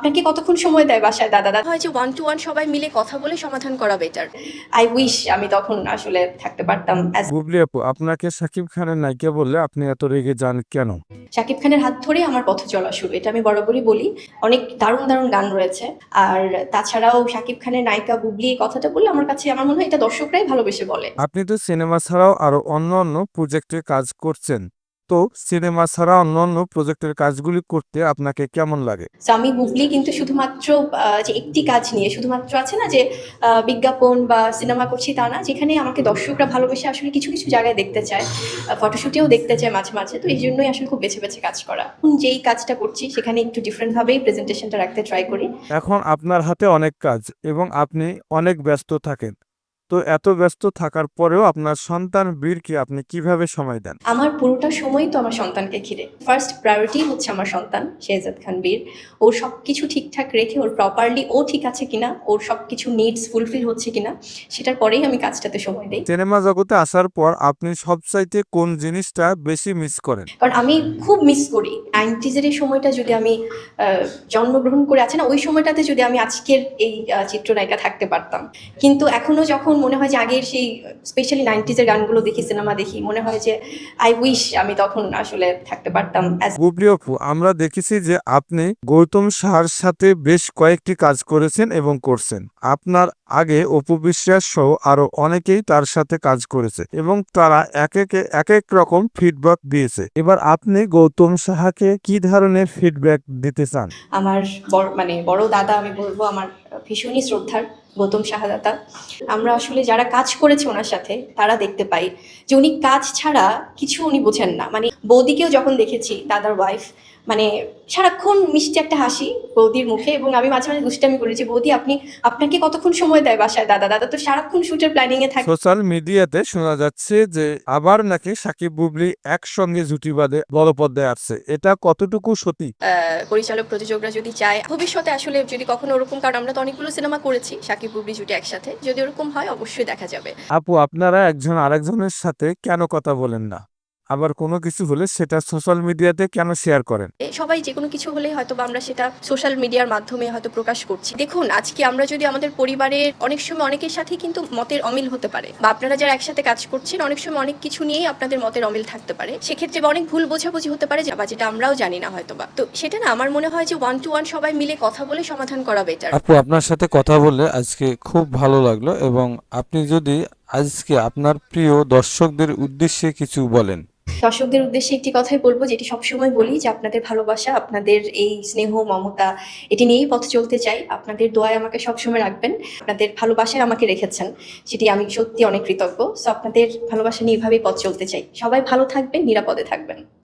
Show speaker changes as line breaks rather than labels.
আপনাকে কতক্ষণ সময় দেয় বাসায় দাদা? হয় যে 1 to 1 সবাই মিলে কথা বলে সমাধান করা বেটার। আই উইশ আমি তখন আসলে থাকতে পারতাম অ্যাজ
বুবলি আপু, আপনাকে শাকিব খানের নায়িকা বললে আপনি এত রেগে যান কেন?
শাকিব খানের হাত ধরেই আমার পথ চলা শুরু। এটা আমি বরাবরই বলি। অনেক দারুণ, দারুণ গান রয়েছে। আর তাছাড়াও শাকিব খানের নায়িকা বুবলি এই কথাটা বললে আমার কাছে আমার মনে হয় এটা দর্শকরাই ভালোবেসে বলে।
আপনি তো সিনেমা ছাড়াও আরো অন্য প্রজেক্টে কাজ করছেন। তো সিনেমা ছাড়া অন্য প্রজেক্টের কাজগুলি করতে আপনাকে কেমন লাগে?
সো আমি বুবলি কিন্তু শুধুমাত্র যে একটি কাজ নিয়ে শুধুমাত্র আছে না যে বিজ্ঞাপন বা সিনেমা করছি তা না। যেখানে আমাকে দর্শকরা ভালোবেসে আসলে কিছু, কিছু জায়গায় দেখতে চায়। ফটোশুটেও দেখতে চায় মাঝে, মাঝে। তো এইজন্যই আসলে খুব বেছে, বেছে কাজ করা। যেই কাজটা করছি সেখানে একটু ডিফারেন্ট ভাবেই প্রেজেন্টেশনটা রাখতে ট্রাই করি।
এখন আপনার হাতে অনেক কাজ এবং আপনি অনেক ব্যস্ত থাকেন। তো এত ব্যস্ত থাকার পরেও আপনার সন্তান বীরকে আপনি কিভাবে সময় দেন?
আমার পুরোটা সময় তো আমার সন্তানকে ঘিরে। ফার্স্ট প্রায়োরিটি হচ্ছে আমার সন্তান শেহজাদ খান বীর। ওর সবকিছু ঠিকঠাক রেখে ওর প্রপারলি ও ঠিক আছে কিনা, ওর সবকিছু নিডস ফুলফিল হচ্ছে কিনা সেটার পরেই আমি কাজটাতে সময় দেই।
সিনেমা জগতে আসার পর আপনি সবচাইতে কোন জিনিসটা বেশি মিস করেন?
কারণ আমি খুব মিস করি 90s এর এই সময়টা যদি আমি জন্মগ্রহণ করে আছে না ওই সময়টাতে যদি আমি আজকের এই চিত্রনায়িকা থাকতে পারতাম। কিন্তু এখনো যখন মনে হয় যে আগের সেই স্পেশালি 90s এর গানগুলো দেখি, সিনেমা দেখি, মনে হয় যে আই উইশ আমি তখন আসলে থাকতে পারতাম অ্যাজ
বুবলি আপু, আমরা দেখেছি যে আপনি গৌতম সাহার সাথে বেশ কয়েকটি কাজ করেছেন এবং করছেন। আপনার আগে অপু বিশ্বাস সহ আরো অনেকেই তার সাথে কাজ করেছে এবং তারা এক এক রকম ফিডব্যাক দিয়েছে। এবার আপনি গৌতম সাহাকে কি ধরনের ফিডব্যাক দিতে চান?
আমার বড় দাদা আমি বলবো আমার ভীষণই শ্রদ্ধার গৌতম শাহাদাতা। আমরা আসলে যারা কাজ করেছে ওনার সাথে তারা দেখতে পাই যে উনি কাজ ছাড়া কিছু উনি বোঝেন না। মানে বৌদিকেও যখন দেখেছি দাদার ওয়াইফ মানে সারাক্ষণ মিষ্টি একটা হাসি বৌদির মুখে এবং আমি মাঝে মাঝে দুষ্টামি করেছি বৌদি আপনাকে কতক্ষণ সময় দেয় বাসায় দাদা তো সারাক্ষণ শুটের প্ল্যানিং এ থাকে।
সোশ্যাল মিডিয়াতে শোনা যাচ্ছে যে আবার নাকি সাকিব বুবলি একসঙ্গে জুটি বাঁধে বড় পর্দায় আসছে। এটা কতটুকু সত্যি?
পরিচালক প্রযোজকরা যদি চায় ভবিষ্যতে আসলে যদি কখনো ওরকম, কারণ আমরা তো অনেকগুলো সিনেমা করেছি সাকিব বুবলি জুটি একসাথে, যদি ওরকম হয় অবশ্যই দেখা যাবে।
আপু, আপনারা একজন আরেকজনের সাথে কেন কথা বলেন না? আবার কোনো কিছু হলে সেটা সোশ্যাল মিডিয়াতে কেন শেয়ার করেন?
সবাই যে কোনো কিছু হলেই হয়তো বা আমরা সেটা সোশ্যাল মিডিয়ার মাধ্যমে হয়তো প্রকাশ করছি। দেখুন আজকে আমরা যদি আমাদের পরিবারের অনেক সময় অনেকের সাথে কিন্তু মতের অমিল হতে পারে, বা আপনারা যারা একসাথে কাজ করছেন অনেক সময় অনেক কিছু নিয়েই আপনাদের মতের অমিল থাকতে পারে, সেক্ষেত্রে বা অনেক ভুল বোঝাবুঝি হতে পারে বা যেটা আমরাও জানি না হয়তো বা। তো সেটা না আমার মনে হয় যে 1 to 1 সবাই মিলে কথা বলে সমাধান করা বেটার।
আপু, আপনার সাথে কথা বলে আজকে খুব ভালো লাগলো এবং আপনি যদি আজকে আপনার প্রিয় দর্শকদের উদ্দেশ্যে কিছু বলেন।
দর্শকদের উদ্দেশ্যে একটি কথাই বলবো যেটি সবসময় বলি যে আপনাদের ভালোবাসা, আপনাদের এই স্নেহ মমতা এটি নিয়েই পথ চলতে চাই। আপনাদের দোয়ায় আমাকে সবসময় রাখবেন। আপনাদের ভালোবাসায় আমাকে রেখেছেন, সেটি আমি সত্যি অনেক কৃতজ্ঞ। সো আপনাদের ভালোবাসা নিয়ে এভাবেই পথ চলতে চাই। সবাই ভালো থাকবেন, নিরাপদে থাকবেন।